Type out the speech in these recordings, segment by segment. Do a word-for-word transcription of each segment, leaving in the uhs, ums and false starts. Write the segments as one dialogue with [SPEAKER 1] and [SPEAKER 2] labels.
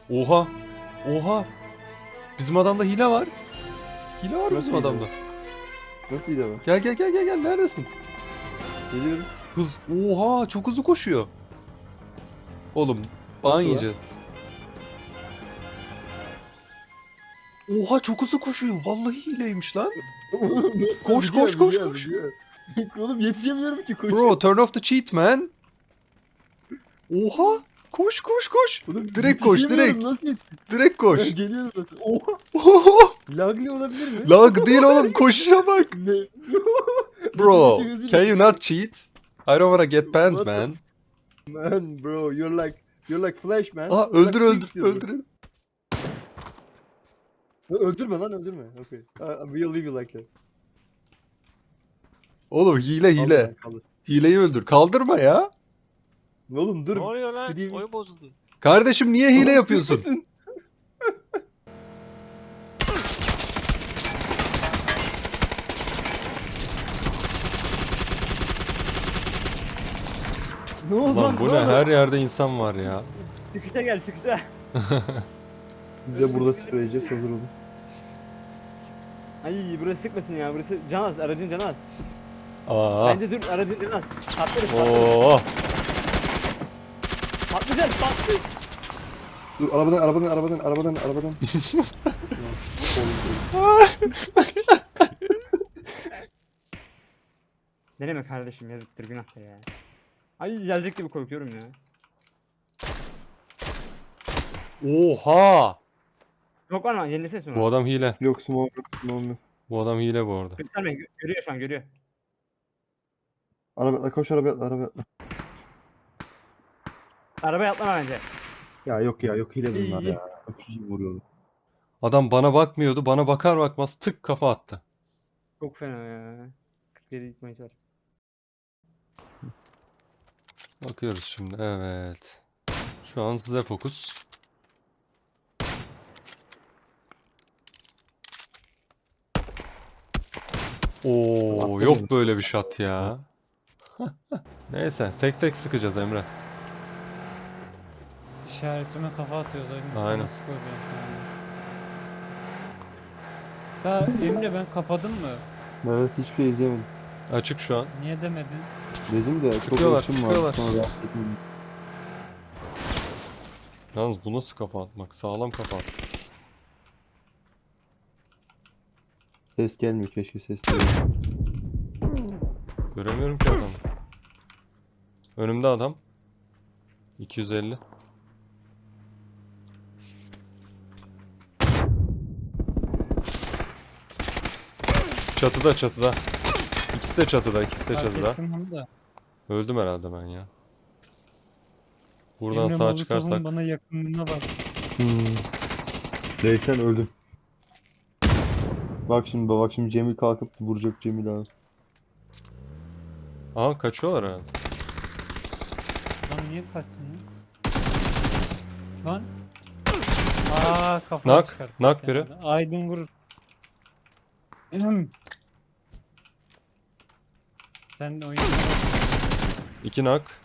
[SPEAKER 1] Oha. Oha. Bizim adamda hile var. Hile var
[SPEAKER 2] Nasıl
[SPEAKER 1] bizim
[SPEAKER 2] hile
[SPEAKER 1] adamda.
[SPEAKER 2] var? Nasıl iyi de var?
[SPEAKER 1] Gel gel gel gel gel. Neredesin?
[SPEAKER 2] Geliyorum.
[SPEAKER 1] Hız. Oha çok hızlı koşuyor. Oğlum ban
[SPEAKER 2] Nasıl lan?
[SPEAKER 1] yiyeceğiz. Oha çok hızlı koşuyor. Vallahi hileymiş lan. Koş,
[SPEAKER 2] Biliyor,
[SPEAKER 1] koş, koş,
[SPEAKER 2] biliyor,
[SPEAKER 1] koş.
[SPEAKER 2] biliyor. Oğlum yetişemiyorum ki koş.
[SPEAKER 1] Bro turn off the cheat man. Oha. Koş koş koş.
[SPEAKER 2] Oğlum,
[SPEAKER 1] Direkt koş,
[SPEAKER 2] yetişemiyorum,
[SPEAKER 1] direkt.
[SPEAKER 2] Nasıl yetiş?
[SPEAKER 1] Direkt
[SPEAKER 2] Ben
[SPEAKER 1] koş.
[SPEAKER 2] geliyorum zaten. Oha.
[SPEAKER 1] Oha.
[SPEAKER 2] Lagli olabilir mi?
[SPEAKER 1] Lag değil oğlum koşuşa bak.
[SPEAKER 2] Ne?
[SPEAKER 1] Bro
[SPEAKER 2] Hızlı, hızlı,
[SPEAKER 1] can you
[SPEAKER 2] hızlı.
[SPEAKER 1] not cheat? I don't wanna get banned
[SPEAKER 2] What the
[SPEAKER 1] man.
[SPEAKER 2] Man bro, you're like you're like Flash man.
[SPEAKER 1] Aa
[SPEAKER 2] You're
[SPEAKER 1] öldür
[SPEAKER 2] like
[SPEAKER 1] öldür
[SPEAKER 2] Quicksilver.
[SPEAKER 1] öldür.
[SPEAKER 2] Öldürme lan, öldürme. Okay. I, we'll leave you like that.
[SPEAKER 1] Oğlum hile
[SPEAKER 2] Kaldır
[SPEAKER 1] hile.
[SPEAKER 2] lan, kaldır.
[SPEAKER 1] Hileyi öldür. Kaldırma ya.
[SPEAKER 2] Oğlum dur.
[SPEAKER 3] Ne oluyor lan?
[SPEAKER 2] Gideyim.
[SPEAKER 3] Oyun bozuldu.
[SPEAKER 1] Kardeşim niye hile yapıyorsun?
[SPEAKER 2] Neredesin?
[SPEAKER 4] Ne oldu
[SPEAKER 1] Lan bu ne? Her yerde insan var ya.
[SPEAKER 4] Çıkışa gel çıkışa.
[SPEAKER 2] Biz de burada spreyeceğiz, hazır olun.
[SPEAKER 4] Ay burası sıkmasın ya, burası can az, aracın canı az.
[SPEAKER 1] Aa.
[SPEAKER 4] Bence dur, aracın canı az. Patlarız patlarız.
[SPEAKER 1] Oo.
[SPEAKER 4] Patlayacağız patlayacağız.
[SPEAKER 2] Dur, arabadan arabadan arabadan arabadan arabadan.
[SPEAKER 4] Deneme kardeşim, yazıktır günahtır ya. Ay gelecek gibi korkuyorum ya.
[SPEAKER 1] Oha.
[SPEAKER 4] Yok var mı? Yenilesene sonra.
[SPEAKER 1] Bu adam hile.
[SPEAKER 2] Yok, small yok, small yok.
[SPEAKER 1] Bu adam hile bu arada.
[SPEAKER 4] Gösterme, gö- görüyor şu an görüyor.
[SPEAKER 2] Araba, koş araba atla, araba atla.
[SPEAKER 4] Arabaya atlama bence.
[SPEAKER 2] Ya yok ya, yok hile bunlar
[SPEAKER 4] İyi.
[SPEAKER 2] ya. Öpücü vuruyorlar.
[SPEAKER 1] Adam bana bakmıyordu. Bana bakar bakmaz tık kafa attı.
[SPEAKER 4] Çok fena ya. kırk yedi gitmeyi var.
[SPEAKER 1] Bakıyoruz şimdi. Evet. Şu an size fokus. Oo, yok böyle bir şat ya. Neyse, tek tek sıkacağız Emre.
[SPEAKER 5] İşaretime kafa atıyoruz. Aynen.
[SPEAKER 1] Aynen.
[SPEAKER 5] Sana sıkıyor ben şu anda. Ya Emre ben kapadım mı?
[SPEAKER 2] Evet, hiçbir şey izleyemedim.
[SPEAKER 1] Açık şu an.
[SPEAKER 5] Niye demedin?
[SPEAKER 2] Dedim de çok
[SPEAKER 1] Sıkıyorlar,
[SPEAKER 2] uğraşım vardı,
[SPEAKER 1] sıkıyorlar.
[SPEAKER 2] sonra rahatsız etmedim.
[SPEAKER 1] Yalnız bu nasıl kafa atmak? Sağlam kafa at.
[SPEAKER 2] Ses gelmiyor, keşke ses gelmiyor.
[SPEAKER 1] Göremiyorum ki adamı. Önümde adam. iki yüz elli. Çatıda çatıda. İkisi de çatıda, ikisi de
[SPEAKER 5] Fark
[SPEAKER 1] çatıda.
[SPEAKER 5] ettim onu da.
[SPEAKER 1] Öldüm herhalde ben ya. Buradan
[SPEAKER 5] Emre
[SPEAKER 1] sağ
[SPEAKER 5] Molotov'un
[SPEAKER 1] çıkarsak.
[SPEAKER 5] bana yakınlığına bak.
[SPEAKER 2] Değsen öldüm. Bak şimdi bak şimdi Cemil kalkıp vuracak Cemil abi.
[SPEAKER 1] Aha kaçıyorlar herhalde.
[SPEAKER 5] Lan niye kaçsın lan? Lan. Aa kafamı
[SPEAKER 1] Nak,
[SPEAKER 5] çıkarttı
[SPEAKER 1] nak
[SPEAKER 5] bir
[SPEAKER 1] biri.
[SPEAKER 5] tane de. Aydın vurur. Ahem. Sen de oyun.
[SPEAKER 1] İki nak.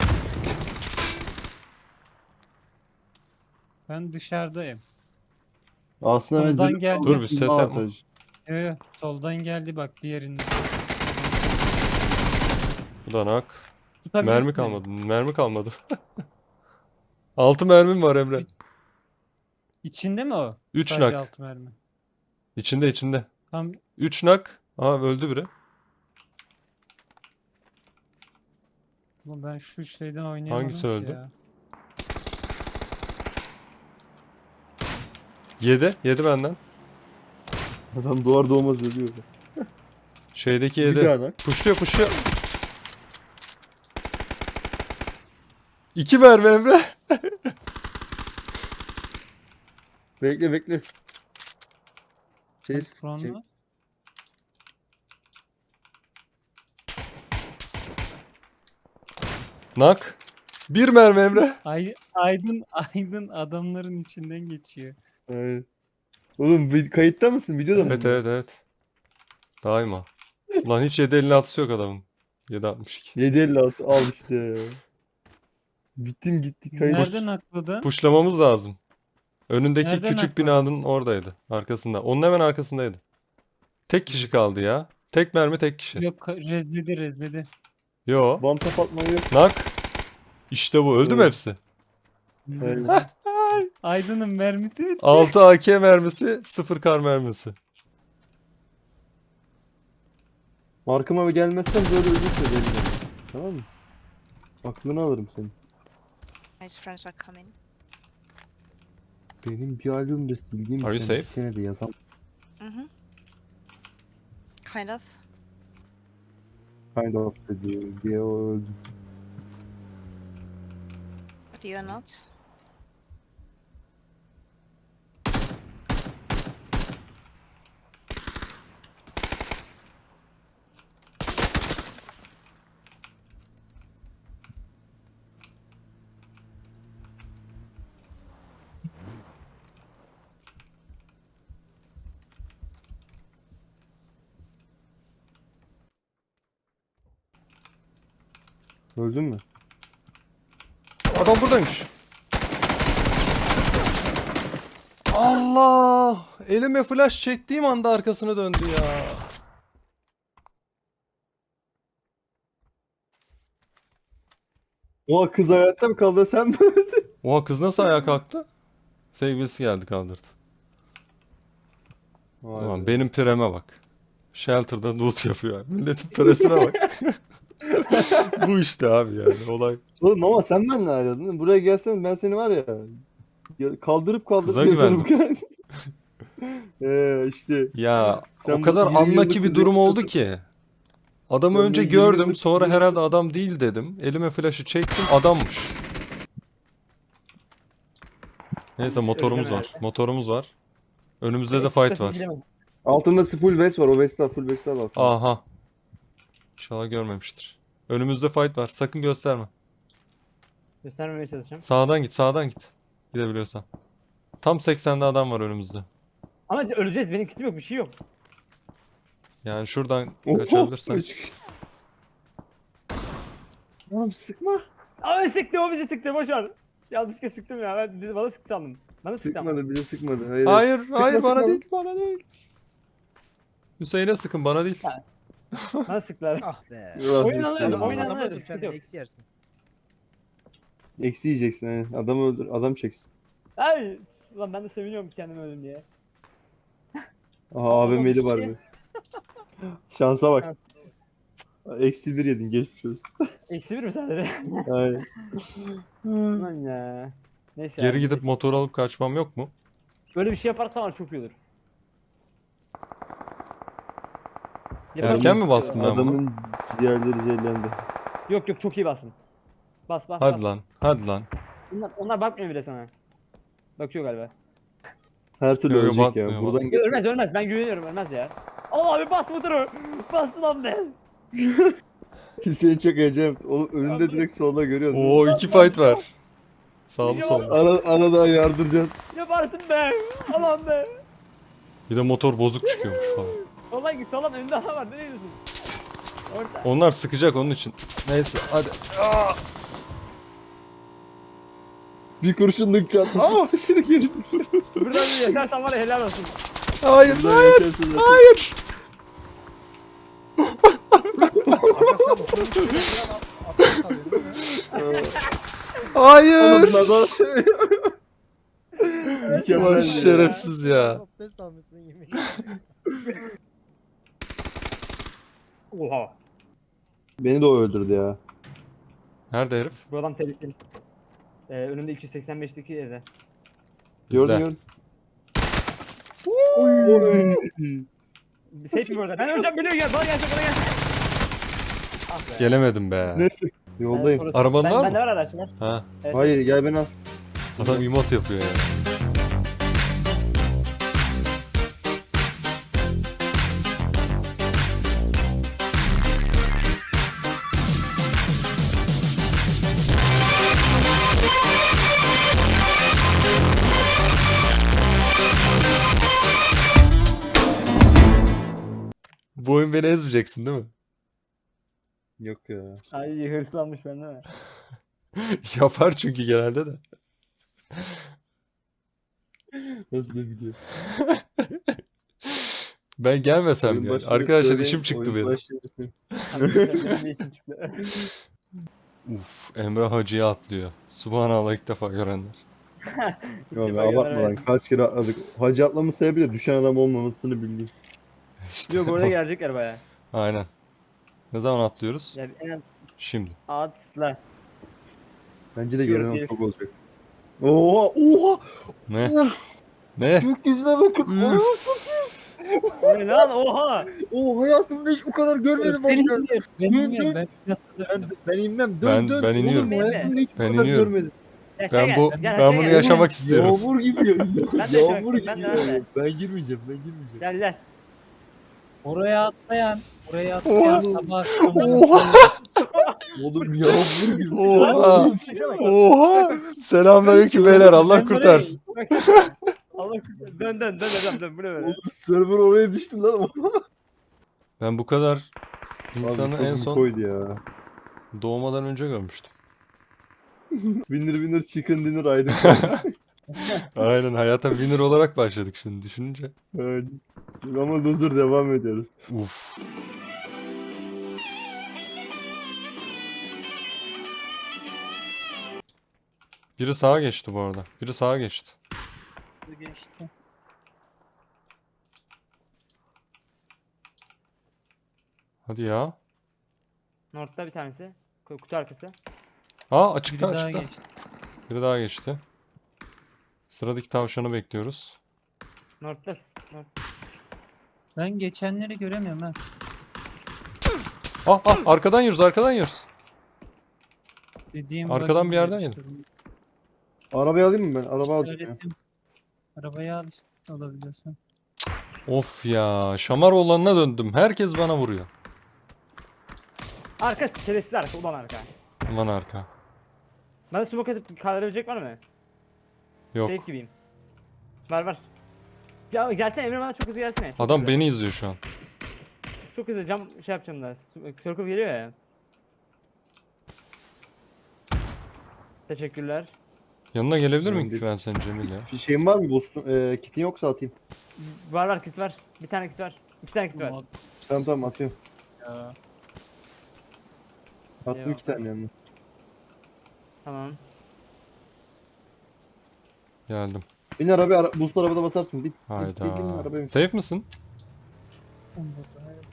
[SPEAKER 5] Ben dışarıdayım.
[SPEAKER 2] Aslında ben
[SPEAKER 5] Soldan
[SPEAKER 2] Cemil
[SPEAKER 5] geldi.
[SPEAKER 1] Dur bir ses yapma.
[SPEAKER 2] avantaj.
[SPEAKER 5] Yo, yo, soldan geldi bak diğerinde.
[SPEAKER 1] Bu da nak.
[SPEAKER 5] Tutabilir
[SPEAKER 1] Mermi
[SPEAKER 5] miyim?
[SPEAKER 1] kalmadı. Mermi kalmadı. Altı mermim var Emre.
[SPEAKER 5] İçinde mi o?
[SPEAKER 1] Üç
[SPEAKER 5] Sadece
[SPEAKER 1] nak.
[SPEAKER 5] altı mermi.
[SPEAKER 1] İçinde içinde.
[SPEAKER 5] Tam
[SPEAKER 1] Üç nak. Aha öldü biri.
[SPEAKER 5] Ulan ben şu şeyden oynayamadım
[SPEAKER 1] Hangisi
[SPEAKER 5] ki
[SPEAKER 1] öldü?
[SPEAKER 5] ya.
[SPEAKER 1] Yedi. Yedi benden.
[SPEAKER 2] Adam doğar doğmaz ölüyor.
[SPEAKER 1] Şeydeki
[SPEAKER 2] Bir
[SPEAKER 1] yedi.
[SPEAKER 2] daha lan.
[SPEAKER 1] Puşluyor puşluyor. İki mermi Emre.
[SPEAKER 2] Bekle bekle. Şey,
[SPEAKER 5] Hadi Kur'an'la.
[SPEAKER 2] şey,
[SPEAKER 1] Nak. Bir mermi Emre.
[SPEAKER 5] Ay, Aydın Aydın adamların içinden geçiyor.
[SPEAKER 2] Aynen. Oğlum bir kayıtta mısın? Videoda mısın?
[SPEAKER 1] Evet evet evet. Daima. Lan hiç yedi elli atısı yok adamın. yedi altmış iki.
[SPEAKER 2] yedi elli altı al işte. Bittim gitti kayıt.
[SPEAKER 5] Nereden akladın?
[SPEAKER 1] Puşlamamız lazım. Önündeki
[SPEAKER 5] Nereden
[SPEAKER 1] küçük
[SPEAKER 5] aklına?
[SPEAKER 1] binanın oradaydı. Arkasında. Onun hemen arkasındaydı. Tek kişi kaldı ya. Tek mermi tek kişi.
[SPEAKER 5] Yok rezledi rezledi.
[SPEAKER 1] Yo.
[SPEAKER 2] One tap atmayı yok.
[SPEAKER 1] Nak. İşte bu. Öldü mü
[SPEAKER 2] Evet.
[SPEAKER 1] hepsi?
[SPEAKER 2] Evet.
[SPEAKER 5] Aydın'ın mermisi bitti.
[SPEAKER 1] altı A K mermisi, sıfır kar mermisi.
[SPEAKER 2] Markıma bir gelmezsen böyle ölürse belli. Tamam mı? Aklını alırım senin.
[SPEAKER 3] His friends are coming.
[SPEAKER 2] Benim bir albümde sildiğim
[SPEAKER 1] Are you
[SPEAKER 2] sen bir
[SPEAKER 1] safe?
[SPEAKER 2] senede yazam.
[SPEAKER 3] Mm-hmm. Kind of.
[SPEAKER 2] Kind of dedi diye o öldü.
[SPEAKER 3] But you are not.
[SPEAKER 2] Öldün mü?
[SPEAKER 1] Adam buradaymış. Allah! Elime flash çektiğim anda arkasına döndü ya.
[SPEAKER 2] O kız hayatta mı kaldı sen mi öldün?
[SPEAKER 1] Oha kız nasıl ayağa kalktı? Sevgilisi geldi kaldırdı.
[SPEAKER 2] Vay
[SPEAKER 1] Ulan
[SPEAKER 2] be.
[SPEAKER 1] benim pireme bak. Shelter'da loot yapıyor. Milletin piresine bak. Bu işte abi yani olay.
[SPEAKER 2] Oğlum ama sen benimle ayrıldın. Buraya gelsen ben seni var ya, ya kaldırıp kaldırıp
[SPEAKER 1] Kıza
[SPEAKER 2] yazarım.
[SPEAKER 1] güvendim.
[SPEAKER 2] Eee işte.
[SPEAKER 1] Ya
[SPEAKER 2] Sen
[SPEAKER 1] o kadar
[SPEAKER 2] bu yirmi
[SPEAKER 1] anlaki
[SPEAKER 2] yıllık
[SPEAKER 1] bir durum oldu
[SPEAKER 2] kızı-
[SPEAKER 1] ki. Adamı
[SPEAKER 2] Ben
[SPEAKER 1] önce
[SPEAKER 2] bu yirmi
[SPEAKER 1] gördüm,
[SPEAKER 2] yıllık
[SPEAKER 1] sonra
[SPEAKER 2] kızı-
[SPEAKER 1] herhalde adam değil dedim. Elime flash'ı çektim, adammış. Neyse motorumuz var. Motorumuz var. Önümüzde de fight var.
[SPEAKER 2] Altında full vest var. O vest al. Full vest al altında.
[SPEAKER 1] Aha. İnşallah görmemiştir. Önümüzde fight var. Sakın gösterme.
[SPEAKER 4] Göstermemeye çalışacağım.
[SPEAKER 1] Sağdan git, sağdan git. Gidebiliyorsan. Tam seksende adam var önümüzde.
[SPEAKER 4] Ama öleceğiz. Benim kitim yok. Bir şey yok.
[SPEAKER 1] Yani şuradan
[SPEAKER 2] Oho,
[SPEAKER 1] kaçabilirsen.
[SPEAKER 2] üç- Oğlum sıkma.
[SPEAKER 4] Ama sıktı. O bizi sıktı. Boş ver. Yanlışlıkla sıktım ya. Ben bizi bana sıktı sandım. Bana sıktı ama.
[SPEAKER 2] Sıkmadı bize sıkmadı. Hayır.
[SPEAKER 1] Hayır,
[SPEAKER 2] Sıkma,
[SPEAKER 1] hayır bana
[SPEAKER 2] sıkma.
[SPEAKER 1] değil, bana değil. Hüseyin'e sıkın, bana değil.
[SPEAKER 4] Ha. Bana sıktılar.
[SPEAKER 6] Ah be.
[SPEAKER 2] Ah,
[SPEAKER 4] Oyun alıyorum,
[SPEAKER 2] Adam-
[SPEAKER 4] oyun
[SPEAKER 6] Adamı
[SPEAKER 4] alıyorum.
[SPEAKER 6] öldür
[SPEAKER 4] Sıkıntı
[SPEAKER 6] sen
[SPEAKER 4] yok.
[SPEAKER 6] eksi yersin.
[SPEAKER 2] Eksi yiyeceksin. Aynen. Adamı öldür. Adam çeksin.
[SPEAKER 4] Ay. Lan ben de seviniyorum kendimi öldüm diye.
[SPEAKER 2] Aha A V M'li var
[SPEAKER 4] şey.
[SPEAKER 2] mı? Şansa bak.
[SPEAKER 4] Şans.
[SPEAKER 2] Eksi bir yedin. Geçmiş olsun.
[SPEAKER 4] Eksi bir mi sadece?
[SPEAKER 2] Aynen.
[SPEAKER 4] Lan ya. Neyse
[SPEAKER 1] Geri
[SPEAKER 4] abi,
[SPEAKER 1] gidip
[SPEAKER 4] neyse.
[SPEAKER 1] motor alıp kaçmam yok mu?
[SPEAKER 4] Böyle bir şey yaparsam var çok iyi olur.
[SPEAKER 1] Erken mi bastım ben bunu?
[SPEAKER 2] Adamın ciğerleri zehirlendi.
[SPEAKER 4] Yok yok çok iyi basın. Bas bas
[SPEAKER 1] Hadi
[SPEAKER 4] bas.
[SPEAKER 1] lan, hadi lan.
[SPEAKER 4] Onlar, onlar bakmıyor bile sana. Bakıyor galiba.
[SPEAKER 2] Her türlü
[SPEAKER 1] Yo, yo,
[SPEAKER 2] ölecek
[SPEAKER 1] bakmıyor,
[SPEAKER 2] ya. Buradan geç.
[SPEAKER 4] Ölmez ölmez ben güveniyorum ölmez ya. Allah abi bas motoru. Bas lan be.
[SPEAKER 2] Hüseyin çok heyecan. Oğlum önünde direkt solda görüyorsun.
[SPEAKER 1] Oo iki fight var. Sağlı sollu.
[SPEAKER 2] Ara, arada yardıracaksın.
[SPEAKER 4] Yaparsın be. Allah'ım be.
[SPEAKER 1] Bir de motor bozuk çıkıyormuş falan.
[SPEAKER 4] Vallahi sağlam önünde adam var nereye gidiyorsun? Orta.
[SPEAKER 1] Onlar sıkacak onun için. Neyse hadi.
[SPEAKER 2] Bir kurşunluk can. Aa şimdi geri.
[SPEAKER 4] Buradan bir yaşarsan var ya helal olsun.
[SPEAKER 1] Hayır,
[SPEAKER 2] Buradan
[SPEAKER 1] hayır,
[SPEAKER 2] geçersin zaten.
[SPEAKER 1] hayır.
[SPEAKER 6] Arkadaşlar bu çocuk şöyle atlas kalıyor değil mi?
[SPEAKER 1] Hayır.
[SPEAKER 2] Oğlum lan. Mükemmel
[SPEAKER 1] Ulan
[SPEAKER 2] ya.
[SPEAKER 1] şerefsiz ya.
[SPEAKER 6] Abdest almışsın yemin.
[SPEAKER 4] Oha.
[SPEAKER 2] Beni de o öldürdü ya.
[SPEAKER 1] Nerede herif?
[SPEAKER 4] Bu adam tehlikeli. Ee, önümde iki yüz seksen beşteki evde.
[SPEAKER 2] Gördün
[SPEAKER 1] Bizde.
[SPEAKER 2] gördün.
[SPEAKER 4] Bir safe mi orada? Ben öleceğim biliyor gel bana gelsene bana gelsene. Ah be.
[SPEAKER 1] Gelemedim be.
[SPEAKER 2] Neyse. Yoldayım.
[SPEAKER 4] Orası-
[SPEAKER 1] Araban
[SPEAKER 4] ben,
[SPEAKER 1] var
[SPEAKER 4] Bende
[SPEAKER 1] mı?
[SPEAKER 4] var araç var.
[SPEAKER 1] Ha,
[SPEAKER 4] Evet.
[SPEAKER 2] Hayır gel beni al.
[SPEAKER 1] adam emot yapıyor ya. Bu oyun beni ezmeyeceksin değil mi?
[SPEAKER 2] Yok ya.
[SPEAKER 4] Ay hırslanmış bende mi?
[SPEAKER 1] Yapar çünkü genelde de.
[SPEAKER 2] Nasıl da biliyor.
[SPEAKER 1] Ben gelmesem
[SPEAKER 2] Oyun
[SPEAKER 1] ya.
[SPEAKER 2] başında
[SPEAKER 1] Arkadaşlar
[SPEAKER 2] söyleyin,
[SPEAKER 1] işim çıktı
[SPEAKER 2] oyun
[SPEAKER 1] benim.
[SPEAKER 2] başında söyleyin.
[SPEAKER 4] Benim de işim çıktı.
[SPEAKER 1] Uf, Emre Hacı'ya atlıyor. Subhanallah, ilk defa görenler.
[SPEAKER 2] Yok
[SPEAKER 4] İlk
[SPEAKER 2] be
[SPEAKER 4] defa
[SPEAKER 2] abartma
[SPEAKER 4] gören
[SPEAKER 2] lan. Kaç kere atladık. Hacı atlamın sebebi de düşen adam olmamasını bildiğim.
[SPEAKER 1] İşte
[SPEAKER 4] Yok orada
[SPEAKER 1] bak.
[SPEAKER 4] gelecekler baya.
[SPEAKER 1] Aynen. Ne zaman atlıyoruz?
[SPEAKER 4] Yani en az
[SPEAKER 1] Şimdi.
[SPEAKER 4] atla.
[SPEAKER 2] Bence de
[SPEAKER 4] Yok,
[SPEAKER 2] gelen
[SPEAKER 4] değil.
[SPEAKER 2] çok olacak. Oha! Oha!
[SPEAKER 1] Ne?
[SPEAKER 2] Oha!
[SPEAKER 1] Ne?
[SPEAKER 2] Gökyüzüne bakın.
[SPEAKER 1] Üf.
[SPEAKER 4] O ne lan oha.
[SPEAKER 2] Oo hayatımda hiç bu kadar görmedim bak
[SPEAKER 5] Ben
[SPEAKER 2] ya.
[SPEAKER 5] iniyorum. Ben
[SPEAKER 2] Dön,
[SPEAKER 5] iniyorum.
[SPEAKER 2] dön.
[SPEAKER 5] Ben
[SPEAKER 2] Ben, ben inmem. Dön
[SPEAKER 1] Ben-
[SPEAKER 2] dön.
[SPEAKER 1] ben iniyorum.
[SPEAKER 2] Oğlum hayatımda hiç bu
[SPEAKER 1] Ben
[SPEAKER 2] kadar
[SPEAKER 1] iniyorum.
[SPEAKER 2] görmedim.
[SPEAKER 4] Gel, aşağı
[SPEAKER 1] Ben
[SPEAKER 4] gel,
[SPEAKER 1] bu
[SPEAKER 4] gel,
[SPEAKER 1] ben
[SPEAKER 4] aşağı
[SPEAKER 1] bunu
[SPEAKER 4] gel.
[SPEAKER 1] yaşamak istiyorum.
[SPEAKER 2] Yağmur gibi.
[SPEAKER 4] Ben de
[SPEAKER 2] Yağmur
[SPEAKER 4] yaşamak
[SPEAKER 2] gibi.
[SPEAKER 4] istiyorum, ben de, ben de.
[SPEAKER 2] yağıyor. Ben girmeyeceğim. Ben girmeyeceğim.
[SPEAKER 4] Gel gel.
[SPEAKER 5] Oraya atlayan, oraya atlayan
[SPEAKER 2] Oha.
[SPEAKER 5] sabah
[SPEAKER 1] Oha!
[SPEAKER 2] Oğlum yağmur gibi.
[SPEAKER 1] Oha!
[SPEAKER 4] Şaka bak.
[SPEAKER 1] Oha! Selamünaleyküm beyler. Allah kurtarsın.
[SPEAKER 4] Bak, Allah kurtarsın. Dön dön dön dön dön bu ne böyle?
[SPEAKER 2] Oğlum server oraya düştü lan.
[SPEAKER 1] Ben bu kadar insanı
[SPEAKER 2] Abi,
[SPEAKER 1] en
[SPEAKER 2] çok
[SPEAKER 1] son
[SPEAKER 2] koydu ya.
[SPEAKER 1] doğmadan önce görmüştüm.
[SPEAKER 2] Winner winner chicken dinner aydın.
[SPEAKER 1] Aynen, hayata winner olarak başladık şimdi düşününce.
[SPEAKER 2] Evet. Ama loser devam ediyoruz.
[SPEAKER 1] Uf. Biri sağa geçti bu arada. Biri sağa geçti.
[SPEAKER 5] geçti.
[SPEAKER 1] Hadi ya.
[SPEAKER 4] North'ta bir tanesi. Ku- Kutu arkası.
[SPEAKER 1] Aa,
[SPEAKER 5] Biri
[SPEAKER 1] açıkta
[SPEAKER 5] daha
[SPEAKER 1] açıkta.
[SPEAKER 5] geçti.
[SPEAKER 1] Biri daha geçti. Sıradaki tavşanı bekliyoruz.
[SPEAKER 4] North'ta. North.
[SPEAKER 5] Ben geçenleri göremiyorum ha.
[SPEAKER 1] Ah ah, arkadan yiyoruz, arkadan yiyoruz.
[SPEAKER 5] Dediğim
[SPEAKER 1] Arkadan
[SPEAKER 5] bug'ı
[SPEAKER 1] bir yerden
[SPEAKER 5] işte.
[SPEAKER 2] Arabayı alayım mı ben? Araba aldım ya.
[SPEAKER 5] İşaretim. Arabayı al işte alabiliyorsan.
[SPEAKER 1] Of ya, şamar olanına döndüm. Herkes bana vuruyor.
[SPEAKER 4] Arka şerefsiz arka. Ulan arka.
[SPEAKER 1] Ulan arka.
[SPEAKER 4] Bana smoke atıp kaldırabilecek var mı?
[SPEAKER 1] Yok.
[SPEAKER 4] Safe gibiyim. Var var. Ya gelsene Emre, bana çok hızlı gelsene. Çok
[SPEAKER 1] Adam
[SPEAKER 4] hızlı.
[SPEAKER 1] beni izliyor şu an.
[SPEAKER 4] Çok hızlı cam şey yapacağım da. Circle geliyor ya. Teşekkürler.
[SPEAKER 1] Yanına gelebilir miyim
[SPEAKER 2] Ben
[SPEAKER 1] ki ben senin Cemil ya?
[SPEAKER 2] Bir şeyin var mı Boston? Ee, kitin yoksa atayım.
[SPEAKER 4] Var var kit var. Bir tane kit var. İki tane kit var.
[SPEAKER 5] Mod
[SPEAKER 2] Tamam tamam atıyorum.
[SPEAKER 5] ya.
[SPEAKER 2] Attım
[SPEAKER 4] Eyvallah.
[SPEAKER 2] iki tane yanına.
[SPEAKER 4] Tamam.
[SPEAKER 1] Geldim.
[SPEAKER 2] Bin arabaya, ara boost arabada basarsın. Bin. Bin, bin, bin,
[SPEAKER 1] Hayda.
[SPEAKER 2] arabaya bin.
[SPEAKER 1] Safe misin?
[SPEAKER 5] Burada, evet.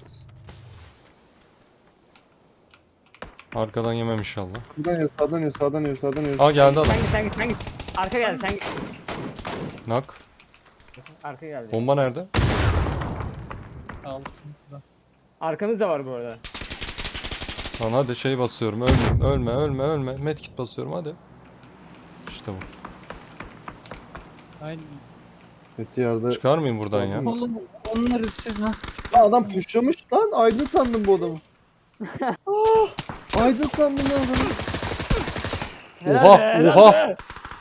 [SPEAKER 1] Arkadan yemem inşallah.
[SPEAKER 2] Sağdan yiyor, sağdan yiyor, sağdan yiyor, sağdan yiyor.
[SPEAKER 1] Aa, geldi adam.
[SPEAKER 4] Sen git sen git sen git. Arka geldi sen git.
[SPEAKER 1] Nak.
[SPEAKER 4] Arka geldi.
[SPEAKER 1] Bomba nerede?
[SPEAKER 5] Altımızda.
[SPEAKER 4] Arkamız da var bu arada.
[SPEAKER 1] Lan hadi şey basıyorum. Ölme, ölme, ölme, ölme. Medkit basıyorum hadi. İşte bu.
[SPEAKER 5] Aynen.
[SPEAKER 2] Kötü yerde.
[SPEAKER 1] Çıkar mıyım buradan ya?
[SPEAKER 2] Tamam.
[SPEAKER 5] Oğlum onları siz nasıl?
[SPEAKER 2] Aa, adam pushlamış lan. Aydın sandım bu adamı. Aa, Aydın sandım ben adamı.
[SPEAKER 1] Oha,
[SPEAKER 4] Helal be,
[SPEAKER 1] oha.
[SPEAKER 4] helal be.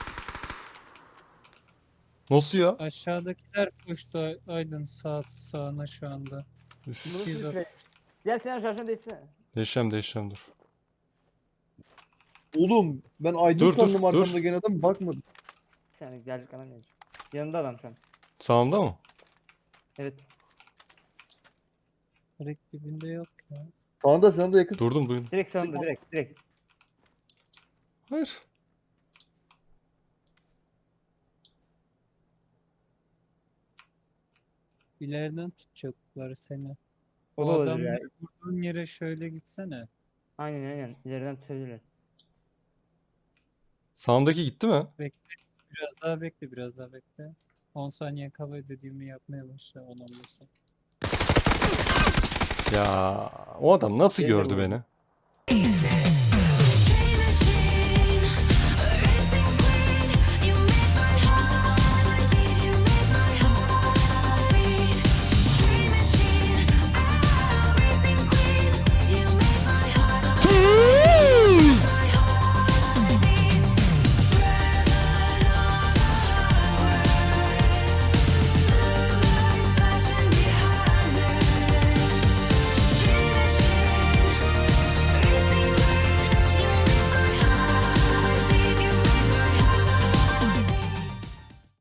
[SPEAKER 1] Nasıl ya?
[SPEAKER 5] Aşağıdakiler koştu Aydın sağ sağına şu anda.
[SPEAKER 1] Üf.
[SPEAKER 4] Bu nasıl
[SPEAKER 5] İki
[SPEAKER 4] bir
[SPEAKER 5] yüz
[SPEAKER 4] şey? Gel sen şarjını değişsene.
[SPEAKER 1] Değişeceğim, değişeceğim dur.
[SPEAKER 2] Oğlum ben Aydın
[SPEAKER 1] Dur, dur,
[SPEAKER 2] sandım
[SPEAKER 1] dur.
[SPEAKER 2] arkamda gelen adam bakmadım.
[SPEAKER 4] Bir saniye gelecek adam gelecek. Yanında adam şu an.
[SPEAKER 1] Sağımda mı?
[SPEAKER 4] Evet.
[SPEAKER 5] Direkt dibinde yok ya.
[SPEAKER 2] Sağında sana da yakın.
[SPEAKER 1] Durdum, duydum.
[SPEAKER 4] Direkt sağında direkt direkt.
[SPEAKER 1] Hayır.
[SPEAKER 5] İleriden tutacaklar seni.
[SPEAKER 4] O
[SPEAKER 5] O
[SPEAKER 4] da olabilir
[SPEAKER 5] adam
[SPEAKER 4] ya.
[SPEAKER 5] vurduğun yere şöyle gitsene.
[SPEAKER 4] Aynen aynen. İleriden tutabilirler.
[SPEAKER 1] Sağımdaki gitti mi?
[SPEAKER 5] Biraz daha bekle, biraz daha bekle. on saniye kala dediğimi yapmaya başla on on beş saniye.
[SPEAKER 1] Ya o adam nasıl
[SPEAKER 4] Gel de
[SPEAKER 1] gördü
[SPEAKER 4] vurayım.
[SPEAKER 1] beni?